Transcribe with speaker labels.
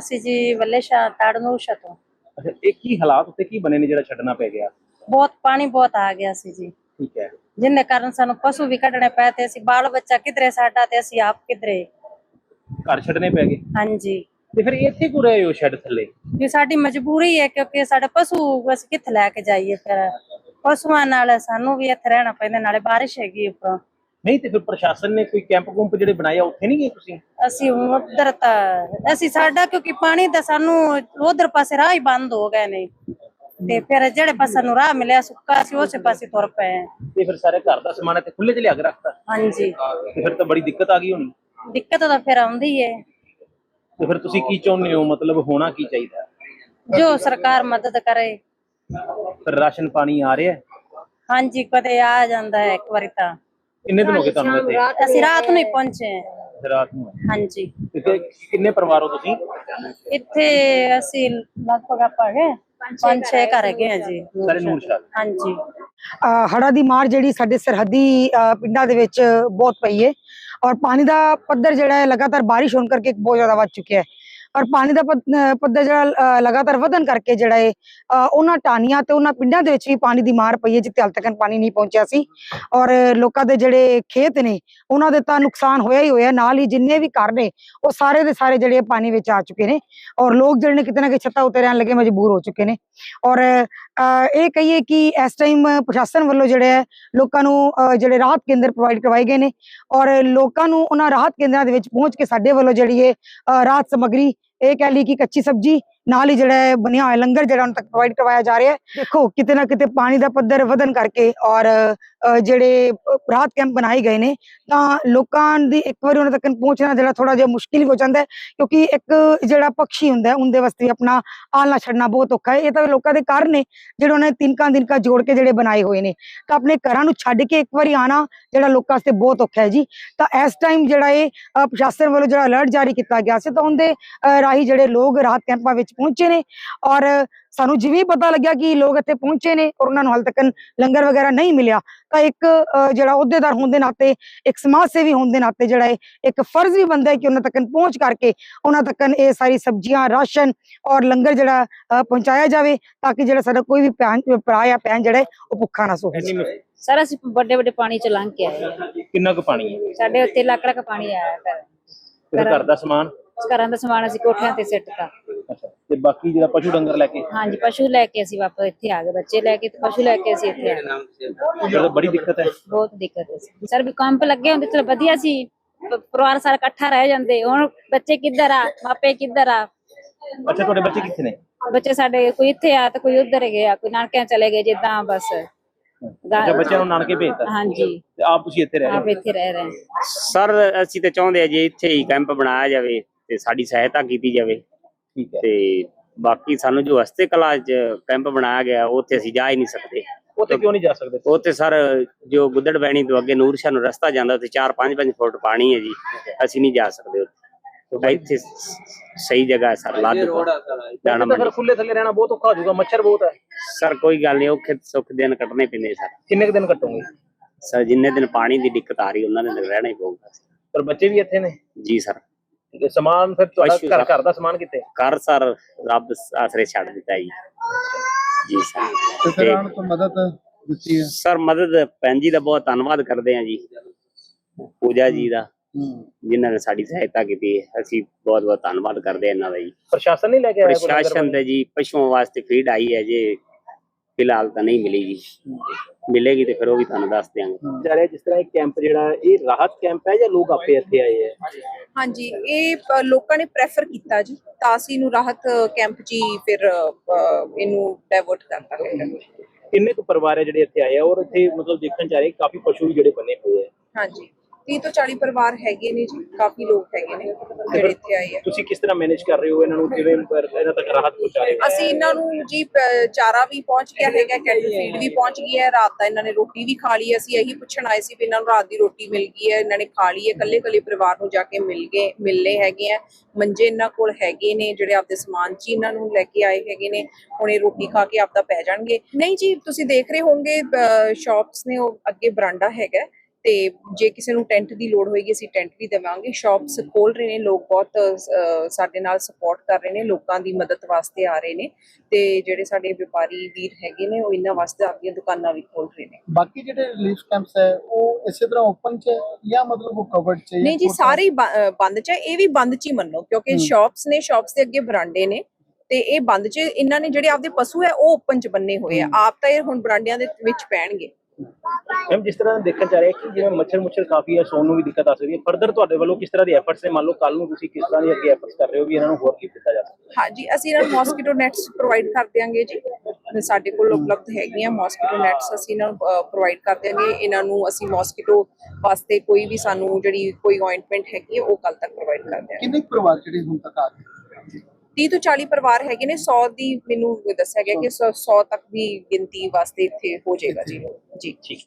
Speaker 1: ਅਸੀਂ ਜੀ ਵੱਲੇ ਸ਼ਾਹ ਤਾੜਨੂਸ਼ਾ ਤੋਂ।
Speaker 2: ਅੱਛਾ, ਇਹ ਕੀ ਹਾਲਾਤ ਉੱਤੇ ਕੀ ਬਣੇ ਨੇ ਜਿਹੜਾ ਛੱਡਣਾ ਪੈ ਗਿਆ?
Speaker 1: ਬਹੁਤ ਪਾਣੀ ਬਹੁਤ ਆ ਗਿਆ ਸੀ ਜੀ,
Speaker 2: ਠੀਕ ਹੈ।
Speaker 1: ਜਿੰਨੇ ਕਾਰਨ ਸਾਨੂੰ ਪਸ਼ੂ ਵੀ ਕੱਢਣੇ ਪਏ ਤੇ ਅਸੀਂ ਬਾਲ ਬੱਚਾ ਕਿਧਰੇ ਸਾਡਾ ਤੇ ਅਸੀਂ ਆਪ ਕਿਧਰੇ
Speaker 2: ਘਰ ਛੱਡਣੇ ਪੈ ਗਏ।
Speaker 1: ਹਾਂਜੀ,
Speaker 2: ਤੇ ਫਿਰ ਇੱਥੇ ਕਿਉਂ ਰਹੇ ਹੋ ਸ਼ੈੱਡ ਥੱਲੇ?
Speaker 1: ਇਹ ਸਾਡੀ ਮਜਬੂਰੀ ਹੈ ਕਿਉਂਕਿ ਸਾਡੇ ਪਸ਼ੂ ਅਸੀਂ ਕਿੱਥੇ ਲੈ ਕੇ ਜਾਈਏ, ਫਿਰ ਪਸ਼ੂਆਂ ਨਾਲ ਸਾਨੂੰ ਵੀ ਇੱਥੇ ਰਹਿਣਾ ਪੈਂਦਾ, ਨਾਲੇ ਬਾਰਿਸ਼ ਹੈਗੀ ਉੱਪਰੋਂ।
Speaker 2: ਨਹੀਂ ਤੇ ਫਿਰ ਪ੍ਰਸ਼ਾਸਨ ਨੇ ਕੋਈ ਕੈਂਪ ਕੁੰਪ ਜਿਹੜੇ ਬਣਾਏ ਆ ਉੱਥੇ ਨਹੀਂ ਗਏ ਤੁਸੀਂ?
Speaker 1: ਅਸੀਂ ਉਧਰ ਤਾਂ ਅਸੀਂ ਸਾਡਾ ਕਿਉਂਕਿ ਪਾਣੀ ਦਾ ਸਾਨੂੰ ਉਧਰ ਪਾਸੇ ਰਾਹ ਹੀ ਬੰਦ ਹੋ ਗਏ ਨੇ, ਤੇ ਫਿਰ ਜਿਹੜੇ ਪਾਸੇ ਨੂੰ ਰਾਹ ਮਿਲਿਆ ਸੁੱਕਾ ਸੀ ਉਸੇ ਪਾਸੇ ਤੁਰ ਪਏ।
Speaker 2: ਤੇ ਫਿਰ ਸਾਰੇ ਘਰ ਦਾ ਸਮਾਨ ਇੱਥੇ ਖੁੱਲੇ ਚ ਲਿਆ ਕੇ ਰੱਖਤਾ?
Speaker 1: ਹਾਂਜੀ,
Speaker 2: ਤੇ ਫਿਰ ਤਾਂ ਬੜੀ ਦਿੱਕਤ ਆ ਗਈ ਹੋਣੀ।
Speaker 1: ਦਿੱਕਤ ਤਾਂ ਫਿਰ ਆਉਂਦੀ ਹੈ।
Speaker 2: ਤੇ ਫਿਰ ਤੁਸੀਂ ਕੀ ਚਾਹੁੰਦੇ ਹੋ, ਮਤਲਬ ਹੋਣਾ ਕੀ ਚਾਹੀਦਾ?
Speaker 1: ਜੋ ਸਰਕਾਰ ਮਦਦ ਕਰੇ।
Speaker 2: ਫਿਰ ਰਾਸ਼ਨ ਪਾਣੀ ਆ ਰਿਹਾ?
Speaker 1: ਹਾਂਜੀ, ਕਦੇ ਆ ਜਾਂਦਾ ਹੈ, ਇੱਕ ਵਾਰੀ ਤਾਂ।
Speaker 2: ਕਿੰਨੇ ਦਿਨ ਹੋ ਗਏ ਤੁਹਾਨੂੰ ਇੱਥੇ?
Speaker 1: ਅਸੀਂ ਰਾਤ ਨੂੰ ਹੀ ਪਹੁੰਚੇ ਹਾਂ।
Speaker 2: ਰਾਤ ਨੂੰ?
Speaker 1: ਹਾਂਜੀ।
Speaker 2: ਤੇ ਕਿੰਨੇ ਪਰਿਵਾਰ ਹੋ ਤੁਸੀਂ
Speaker 1: ਇੱਥੇ? ਅਸੀਂ ਲਗਭਗ ਆਪਾਂ ਹੈਗੇ 5-6 ਘਰ ਹੈਗੇ ਆ ਜੀ।
Speaker 2: ਸਾਰੇ ਨੂਰਸ਼ਾਹ?
Speaker 1: ਹਾਂਜੀ।
Speaker 3: ਹੜ੍ਹਾਂ ਦੀ ਮਾਰ ਜਿਹੜੀ ਸਾਡੇ ਸਰਹੱਦੀ ਪਿੰਡਾਂ ਦੇ ਵਿੱਚ ਬਹੁਤ ਪਈ ਹੈ, ਔਰ ਪਾਣੀ ਦਾ ਪੱਧਰ ਜਿਹੜਾ ਹੈ ਲਗਾਤਾਰ ਬਾਰਿਸ਼ ਹੋਣ ਕਰਕੇ ਬਹੁਤ ਜ਼ਿਆਦਾ ਵੱਧ ਚੁੱਕਿਆ ਹੈ, ਔਰ ਪਾਣੀ ਦਾ ਪੱਧਰ ਜਿਹੜਾ ਲਗਾਤਾਰ ਵਧਣ ਕਰਕੇ ਜਿਹੜਾ ਹੈ ਉਹਨਾਂ ਟਾਹਣੀਆਂ ਤੇ ਉਹਨਾਂ ਪਿੰਡਾਂ ਦੇ ਵਿੱਚ ਵੀ ਪਾਣੀ ਦੀ ਮਾਰ ਪਈ ਹੈ ਜਿੱਥੇ ਹਾਲ ਤੱਕ ਪਾਣੀ ਨਹੀਂ ਪਹੁੰਚਿਆ ਸੀ, ਔਰ ਲੋਕਾਂ ਦੇ ਜਿਹੜੇ ਖੇਤ ਨੇ ਉਹਨਾਂ ਦੇ ਤਾਂ ਨੁਕਸਾਨ ਹੋਇਆ ਹੀ ਹੋਇਆ, ਨਾਲ ਹੀ ਜਿੰਨੇ ਵੀ ਘਰ ਨੇ ਉਹ ਸਾਰੇ ਦੇ ਸਾਰੇ ਜਿਹੜੇ ਪਾਣੀ ਵਿੱਚ ਆ ਚੁੱਕੇ ਨੇ, ਔਰ ਲੋਕ ਜਿਹੜੇ ਨੇ ਕਿਤੇ ਨਾ ਕਿਤੇ ਛੱਤਾਂ ਉੱਤੇ ਰਹਿਣ ਲੱਗੇ ਮਜਬੂਰ ਹੋ ਚੁੱਕੇ ਨੇ। ਔਰ ਇਹ ਕਹੀਏ ਕਿ ਇਸ ਟਾਈਮ ਪ੍ਰਸ਼ਾਸਨ ਵੱਲੋਂ ਜਿਹੜੇ ਹੈ ਲੋਕਾਂ ਨੂੰ ਜਿਹੜੇ ਰਾਹਤ ਕੇਂਦਰ ਪ੍ਰੋਵਾਈਡ ਕਰਵਾਏ ਗਏ ਨੇ, ਔਰ ਲੋਕਾਂ ਨੂੰ ਉਹਨਾਂ ਰਾਹਤ ਕੇਂਦਰਾਂ ਦੇ ਵਿੱਚ ਪਹੁੰਚ ਕੇ ਸਾਡੇ ਵੱਲੋਂ ਜਿਹੜੀ ਹੈ ਰਾਹਤ ਸਮੱਗਰੀ, ਇਹ ਕਹਿ ਲਈ ਕਿ ਕੱਚੀ ਸਬਜ਼ੀ ਨਾਲ ਹੀ ਜਿਹੜਾ ਹੈ ਬਣਿਆ ਹੋਇਆ ਲੰਗਰ ਜਿਹੜਾ ਉਹਨਾਂ ਤੱਕ ਪ੍ਰੋਵਾਈਡ ਕਰਵਾਇਆ ਜਾ ਰਿਹਾ ਹੈ। ਦੇਖੋ ਕਿਤੇ ਨਾ ਕਿਤੇ ਪਾਣੀ ਦਾ ਪੱਧਰ ਵਧਣ ਕਰਕੇ ਔਰ ਜਿਹੜੇ ਰਾਹਤ ਕੈਂਪ ਬਣਾਏ ਗਏ ਨੇ ਤਾਂ ਲੋਕਾਂ ਦੀ ਇੱਕ ਵਾਰੀ ਉਹਨਾਂ ਤੱਕ ਪਹੁੰਚਣਾ ਜਿਹੜਾ ਥੋੜਾ ਜਿਹਾ ਮੁਸ਼ਕਿਲ ਹੋ ਜਾਂਦਾ ਹੈ, ਕਿਉਂਕਿ ਇੱਕ ਜਿਹੜਾ ਪਕਸ਼ੀ ਹੁੰਦਾ ਉਹਦੇ ਵਾਸਤੇ ਆਪਣਾ ਆਲਣਾ ਛੱਡਣਾ ਬਹੁਤ ਔਖਾ ਹੈ। ਇਹ ਤਾਂ ਲੋਕਾਂ ਦੇ ਘਰ ਨੇ ਜਿਹੜੇ ਉਹਨਾਂ ਨੇ ਤਿਨਕਾ ਜੋੜ ਕੇ ਜਿਹੜੇ ਬਣਾਏ ਹੋਏ ਨੇ, ਤਾਂ ਆਪਣੇ ਘਰਾਂ ਨੂੰ ਛੱਡ ਕੇ ਇੱਕ ਵਾਰੀ ਆਣਾ ਜਿਹੜਾ ਲੋਕਾਂ ਵਾਸਤੇ ਬਹੁਤ ਔਖਾ ਹੈ ਜੀ। ਤਾਂ ਇਸ ਟਾਈਮ ਜਿਹੜਾ ਇਹ ਪ੍ਰਸ਼ਾਸਨ ਵੱਲੋਂ ਜਿਹੜਾ ਅਲਰਟ ਜਾਰੀ ਕੀਤਾ ਗਿਆ ਸੀ ਤਾਂ ਉਹਦੇ ਰਾਹੀਂ ਜਿਹੜੇ ਲੋਕ ਰਾਹਤ ਕੈਂਪਾਂ ਵਿੱਚ ਪਹੁੰਚੇ ਨੇ, ਔਰ ਸਾਨੂੰ ਜਿਵੇਂ ਪਤਾ ਲੱਗਿਆ ਕਿ ਲੋਕ ਇੱਥੇ ਪਹੁੰਚੇ ਨੇ ਔਰ ਉਹਨਾਂ ਨੂੰ ਹਾਲ ਤੱਕ ਲੰਗਰ ਵਗੈਰਾ ਨਹੀਂ ਮਿਲਿਆ, ਤਾਂ ਇੱਕ ਜਿਹੜਾ ਅਹੁਦੇਦਾਰ ਹੋਣ ਦੇ ਨਾਤੇ, ਇੱਕ ਸਮਾਜ ਸੇਵੀ ਹੋਣ ਦੇ ਨਾਤੇ ਜਿਹੜਾ ਇੱਕ ਫਰਜ਼ ਵੀ ਬਣਦਾ ਹੈ ਕਿ ਉਹਨਾਂ ਤੱਕ ਪਹੁੰਚ ਕਰਕੇ ਉਹਨਾਂ ਤੱਕ ਇਹ ਸਾਰੀ ਸਬਜ਼ੀਆਂ, ਰਾਸ਼ਨ ਔਰ ਲੰਗਰ ਜਿਹੜਾ ਪਹੁੰਚਾਇਆ ਜਾਵੇ, ਤਾਂ ਕਿ ਜਿਹੜਾ ਸਾਡਾ ਕੋਈ ਵੀ ਭਰਾ ਜਾਂ ਭੈਣ ਜਿਹੜਾ ਉਹ ਭੁੱਖਾ ਨਾ ਸੋਵੇ।
Speaker 1: ਸਰ ਅਸੀਂ ਵੱਡੇ ਪਾਣੀ ਚ ਲੰਘ ਕੇ ਆਏ।
Speaker 2: ਕਿੰਨਾ ਕੁ ਪਾਣੀ ਹੈ?
Speaker 1: ਸਾਡੇ ਉੱਤੇ ਲੱਖ ਪਾਣੀ ਆਇਆ
Speaker 2: ਘਰ ਦਾ ਸਮਾਨ?
Speaker 1: ਘਰਾਂ ਦਾ ਸਮਾਨ ਅਸੀਂ ਕੋਠਿਆਂ ਤੇ ਸਿੱਟਤਾ।
Speaker 2: ਅੱਛਾ, ਤੇ ਬਾਕੀ ਜਿਹੜਾ ਪਸ਼ੂ ਡੰਗਰ ਲੈ ਕੇ?
Speaker 1: ਹਾਂਜੀ, ਪਸ਼ੂ ਲੈ ਕੇ ਅਸੀਂ ਵਾਪਸ ਇੱਥੇ ਆ ਗਏ, ਬੱਚੇ ਲੈ ਕੇ ਤੇ ਪਸ਼ੂ ਲੈ ਕੇ ਅਸੀਂ ਇੱਥੇ ਆ ਗਏ।
Speaker 2: ਜਿਹੜਾ ਬੜੀ ਦਿੱਕਤ ਹੈ?
Speaker 1: ਬਹੁਤ ਦਿੱਕਤ ਹੈ ਸਰ, ਵੀ ਕੰਮ ਲੱਗੇ ਹੁੰਦੇ ਚਲੋ ਵਧੀਆ ਸੀ, ਪਰਿਵਾਰ ਸਾਰਾ ਇਕੱਠਾ ਰਹਿ ਜਾਂਦੇ, ਹੁਣ ਬੱਚੇ ਕਿੱਧਰ ਆ, ਮਾਪੇ ਕਿੱਧਰ ਆ।
Speaker 2: ਅੱਛਾ, ਤੁਹਾਡੇ ਬੱਚੇ ਕਿੱਥੇ ਨੇ?
Speaker 1: ਬੱਚੇ ਸਾਡੇ ਕੋਈ ਇੱਥੇ ਆ ਤੇ ਕੋਈ ਉੱਧਰ ਗਿਆ, ਕੋਈ ਨਾਨਕਿਆਂ ਚਲੇ ਗਏ, ਜਿੱਦਾਂ ਬਸ।
Speaker 2: ਬੱਚਿਆਂ ਨੂੰ ਨਾਨਕੇ ਭੇਜਤਾ?
Speaker 1: ਹਾਂਜੀ।
Speaker 2: ਤੇ ਆਪ ਤੁਸੀਂ ਇੱਥੇ ਰਹਿ ਰਹੇ?
Speaker 1: ਆਪ ਇੱਥੇ ਰਹਿ ਰਹੇ
Speaker 4: ਸਰ ਅਸੀਂ ਤੇ ਚਾਹੁੰਦੇ ਆ ਜੇ ਇੱਥੇ ਹੀ ਕੈਂਪ ਬਣਾਇਆ ਜਾਵੇ ਤੇ ਸਾਡੀ ਸਹਾਇਤਾ ਕੀਤੀ ਜਾਵੇ।
Speaker 2: ਠੀਕ ਹੈ।
Speaker 4: ਤੇ ਬਾਕੀ ਸਾਨੂੰ ਜੋ ਹਸਤੇ ਕਲਾ ਚ ਕੈਂਪ ਬਣਾਇਆ ਗਿਆ ਉੱਥੇ ਅਸੀਂ ਜਾ ਹੀ ਨਹੀਂ ਸਕਦੇ।
Speaker 2: ਉੱਥੇ ਕਿਉਂ ਨਹੀਂ ਜਾ ਸਕਦੇ?
Speaker 4: ਉੱਥੇ ਸਰ ਜੋ ਗੁੱਦੜ ਬੈਣੀ ਤੋਂ ਅੱਗੇ ਨੂਰਸ਼ਾਹ ਨੂੰ ਰਸਤਾ ਜਾਂਦਾ, ਉੱਥੇ 4-5 ਫੁੱਟ ਪਾਣੀ ਹੈ ਜੀ, ਅਸੀਂ ਨਹੀਂ ਜਾ ਸਕਦੇ ਉੱਥੇ। ਇੱਥੇ ਸਹੀ ਜਗ੍ਹਾ ਹੈ ਸਰ, ਲੱਦ
Speaker 2: ਫਿਰ ਖੁੱਲੇ ਥੱਲੇ ਰਹਿਣਾ ਬਹੁਤ ਔਖਾ ਹੋ ਜਾਊਗਾ, ਮੱਛਰ ਬਹੁਤ ਹੈ।
Speaker 4: ਸਰ ਕੋਈ ਗੱਲ ਨਹੀਂ, ਔਖੇ ਸੁੱਖ ਦਿਨ ਕੱਟਣੇ ਪੈਂਦੇ ਸਰ।
Speaker 2: ਕਿੰਨੇ ਕੁ ਦਿਨ ਕੱਟੋਗੇ?
Speaker 4: ਸਰ ਜਿੰਨੇ ਦਿਨ ਪਾਣੀ ਦੀ ਦਿੱਕਤ ਆ ਰਹੀ ਉਹਨਾਂ ਦਿਨ ਰਹਿਣਾ ਹੀ ਪਊਗਾ।
Speaker 2: ਪਰ ਬੱਚੇ ਵੀ ਇੱਥੇ ਨੇ?
Speaker 4: ਜੀ ਸਰ।
Speaker 2: ਸਮਾਨ ਫਿਰ ਤੁਹਾਡਾ ਘਰ ਦਾ ਸਮਾਨ ਕਿੱਥੇ?
Speaker 4: ਘਰ ਸਰ ਰੱਬ ਆਸਰੇ ਛੱਡ ਦਿੱਤਾ ਜੀ। ਜੀ ਸਰ।
Speaker 5: ਤੋਂ ਮਦਦ ਦਿੱਤੀ ਹੈ
Speaker 4: ਸਰ, ਮਦਦ ਭੈਣ ਜੀ ਦਾ ਬਹੁਤ ਧੰਨਵਾਦ ਕਰਦੇ ਹਾਂ ਜੀ, ਪੂਜਾ ਜੀ ਦਾ, ਜਿਨ੍ਹਾਂ ਨੇ ਸਾਡੀ ਸਹਾਇਤਾ ਕੀਤੀ ਹੈ। ਅਸੀਂ ਬਹੁਤ ਬਹੁਤ ਧੰਨਵਾਦ ਕਰਦੇ ਹਾਂ ਇਹਨਾਂ ਦਾ ਜੀ।
Speaker 2: ਪ੍ਰਸ਼ਾਸਨ ਨਹੀਂ ਲੈ ਕੇ ਆਇਆ?
Speaker 4: ਪ੍ਰਸ਼ਾਸਨ ਦੇ ਜੀ ਪਸ਼ੂਆਂ ਵਾਸਤੇ ਫੀਡ ਆਈ ਹੈ ਜੀ, ਫਿਲਹਾਲ ਤਾਂ ਨਹੀਂ ਮਿਲੀ ਜੀ, ਮਿਲੇਗੀ ਤੇ ਫਿਰ ਉਹ ਵੀ ਤੁਹਾਨੂੰ ਦੱਸ ਦਿਆਂਗੇ।
Speaker 2: ਜਾ ਰਿਹਾ ਜਿਸ ਤਰ੍ਹਾਂ ਇਹ ਕੈਂਪ ਜਿਹੜਾ ਇਹ ਰਾਹਤ ਕੈਂਪ ਹੈ ਜਾਂ ਲੋਕ ਆਪੇ ਇੱਥੇ ਆਏ ਹੈ?
Speaker 6: ਹਾਂਜੀ, ਇਹ ਲੋਕਾਂ ਨੇ ਪ੍ਰੈਫਰ ਕੀਤਾ ਜੀ, ਤਾਂ ਅਸੀਂ ਇਹਨੂੰ ਰਾਹਤ ਕੈਂਪ 'ਚ ਹੀ ਫਿਰ ਇਹਨੂੰ ਡਾਇਵਰਟ ਕਰਤਾ ਹੈ।
Speaker 2: ਕਿੰਨੇ ਕੁ ਪਰਿਵਾਰ ਹੈ ਜਿਹੜੇ ਇੱਥੇ ਆਏ ਆ, ਔਰ ਇੱਥੇ ਮਤਲਬ ਦੇਖਣ ਚ ਆ ਰਹੇ ਕਾਫੀ ਪਸ਼ੂ ਵੀ ਜਿਹੜੇ ਬਣੇ ਹੋਏ ਆ?
Speaker 6: ਹਾਂਜੀ, 30 ਤੋਂ 40 ਪਰਿਵਾਰ ਹੈਗੇ ਨੇ ਜੀ, ਕਾਫੀ ਲੋਕ ਹੈਗੇ ਨੇ ਜਿਹੜੇ ਇੱਥੇ ਆਏ ਆ।
Speaker 2: ਤੁਸੀਂ ਕਿਸ ਤਰ੍ਹਾਂ ਮੈਨੇਜ ਕਰ ਰਹੇ ਹੋ ਇਹਨਾਂ ਨੂੰ, ਕਿਵੇਂ ਇਹਨਾਂ ਤੱਕ ਰਾਹਤ ਪਹੁੰਚਾ ਰਹੇ ਹੋ?
Speaker 6: ਅਸੀਂ ਇਹਨਾਂ ਨੂੰ ਜੀ ਚਾਰਾ ਵੀ ਪਹੁੰਚ ਗਿਆ ਹੈਗਾ, ਕੈਟਲ ਫੀਡ ਵੀ ਪਹੁੰਚ ਗਈ ਹੈ, ਰਾਤ ਦਾ ਇਹਨਾਂ ਨੇ ਰੋਟੀ ਵੀ ਖਾ ਲਈ। ਅਸੀਂ ਇਹੀ ਪੁੱਛਣ ਆਏ ਸੀ ਵੀ ਇਹਨਾਂ ਨੂੰ ਰਾਤ ਦੀ ਰੋਟੀ ਮਿਲ ਗਈ ਹੈ, ਇਹਨਾਂ ਨੇ ਖਾ ਲਈ ਹੈ। ਕੱਲੇ ਪਰਿਵਾਰ ਨੂੰ ਜਾ ਕੇ ਮਿਲਨੇ ਹੈਗੇ ਆ। ਮੰਜੇ ਇਹਨਾਂ ਕੋਲ ਹੈਗੇ ਨੇ ਜਿਹੜੇ ਆਪਦੇ ਸਮਾਨ 'ਚ ਇਹਨਾਂ ਨੂੰ ਲੈ ਕੇ ਆਏ ਹੈਗੇ ਨੇ, ਹੁਣ ਇਹ ਰੋਟੀ ਖਾ ਕੇ ਆਪਦਾ ਪੈ ਜਾਣਗੇ। ਨਹੀਂ ਜੀ, ਤੁਸੀਂ ਦੇਖ ਰਹੇ ਹੋਵੋਗੇ ਸ਼ਾਪਸ ਨੇ, ਉਹ ਅੱਗੇ ਬਰਾਂਡਾ ਹੈਗਾ ਤੇ ਜੇ ਕਿਸੇ ਨੂੰ ਟੈਂਟ ਦੀ ਲੋੜ ਹੋਏਗੀ ਅਸੀਂ ਟੈਂਟ ਵੀ ਦੇਵਾਂਗੇ। ਸ਼ਾਪਸ ਖੋਲ ਰਹੇ ਨੇ ਲੋਕ, ਬਹੁਤ ਸਾਡੇ ਨਾਲ ਸਪੋਰਟ ਕਰ ਰਹੇ ਨੇ, ਲੋਕਾਂ ਦੀ ਮਦਦ ਵਾਸਤੇ ਆ ਰਹੇ ਨੇ ਤੇ ਜਿਹੜੇ ਸਾਡੇ ਵਪਾਰੀ ਵੀਰ ਹੈਗੇ ਨੇ ਉਹ ਇਹਨਾਂ ਵਾਸਤੇ ਆਪਣੀਆਂ ਦੁਕਾਨਾਂ ਵੀ ਖੋਲ ਰਹੇ ਨੇ।
Speaker 5: ਬਾਕੀ ਜਿਹੜੇ ਰਿਲੀਫ ਕੈਂਪਸ ਹੈ ਉਹ ਇਸੇ ਤਰ੍ਹਾਂ ਓਪਨ ਚ ਹੈ ਜਾਂ ਮਤਲਬ ਉਹ ਕਵਰਡ ਚ ਹੈ?
Speaker 6: ਨਹੀਂ ਜੀ, ਸਾਰੇ ਹੀ ਬੰਦ ਚ ਹੈ, ਇਹ ਵੀ ਬੰਦ ਚ ਹੀ ਮੰਨੋ, ਕਿਉਂਕਿ ਸ਼ਾਪਸ ਨੇ, ਸ਼ਾਪਸ ਦੇ ਅੱਗੇ ਬਰਾਂਡੇ ਨੇ ਤੇ ਇਹ ਬੰਦ ਚ। ਇਹਨਾਂ ਨੇ ਜਿਹੜੇ ਆਪਦੇ ਪਸ਼ੂ ਹੈ ਉਹ ਓਪਨ ਚ ਬੰਨੇ ਹੋਏ ਆ, ਆਪ ਤਾਂ ਇਹ ਹੁਣ ਬਰਾਂਡਿਆਂ ਦੇ ਵਿੱਚ ਪੈਣਗੇ।
Speaker 2: ਮੈਮ ਜਿਸ ਤਰ੍ਹਾਂ ਦੇਖਣ ਚ ਆ ਰਿਹਾ ਕਿ ਜਿਵੇਂ ਮੱਛਰ ਕਾਫੀ ਹੈ, ਸੌਣ ਨੂੰ ਵੀ ਦਿੱਕਤ ਆ ਸਕਦੀ ਹੈ, ਫਰਦਰ ਤੁਹਾਡੇ ਵੱਲੋਂ ਕਿਸ ਤਰ੍ਹਾਂ ਦੇ ਐਫਰਟਸ ਨੇ? ਮੰਨ ਲਓ ਕੱਲ ਨੂੰ ਤੁਸੀਂ ਕਿਸ ਤਰ੍ਹਾਂ ਦੇ ਅੱਗੇ ਐਫਰਟਸ ਕਰ ਰਹੇ ਹੋ ਵੀ ਇਹਨਾਂ ਨੂੰ ਹੋਰ ਕੀ ਦਿੱਤਾ ਜਾ ਸਕਦਾ?
Speaker 6: ਹਾਂਜੀ, ਅਸੀਂ ਇਹਨਾਂ ਨੂੰ ਮੋਸਕੀਟੋ ਨੈਟਸ ਪ੍ਰੋਵਾਈਡ ਕਰ ਦਿਆਂਗੇ ਜੀ, ਸਾਡੇ ਕੋਲ ਉਪਲਬਧ ਹੈਗੀਆਂ ਮੋਸਕੀਟੋ ਨੈਟਸ, ਅਸੀਂ ਇਹਨਾਂ ਨੂੰ ਪ੍ਰੋਵਾਈਡ ਕਰ ਦਿਆਂਗੇ। ਇਹਨਾਂ ਨੂੰ ਅਸੀਂ ਮੋਸਕੀਟੋ ਵਾਸਤੇ ਕੋਈ ਵੀ ਸਾਨੂੰ ਜਿਹੜੀ ਕੋਈ ਅਪਾਇੰਟਮੈਂਟ ਹੈਗੀ ਹੈ ਉਹ ਕੱਲ ਤੱਕ ਪ੍ਰੋਵਾਈਡ ਕਰ ਦਿਆਂਗੇ।
Speaker 5: ਕਿੰਨੇ ਕੁ ਪਰਿਵਾਰ ਜਿਹੜੇ ਹੁਣ ਤੱਕ ਆ ਗਏ?
Speaker 6: 30 ਤੋਂ 40 ਪਰਿਵਾਰ ਹੈਗੇ ਨੇ, 100 ਦੀ ਮੈਨੂੰ ਦੱਸਿਆ ਗਿਆ ਕਿ 100 ਤੱਕ ਦੀ ਗਿਣਤੀ ਵਾਸਤੇ ਇੱਥੇ ਹੋ ਜਾਏਗਾ ਜੀ। ਜੀ।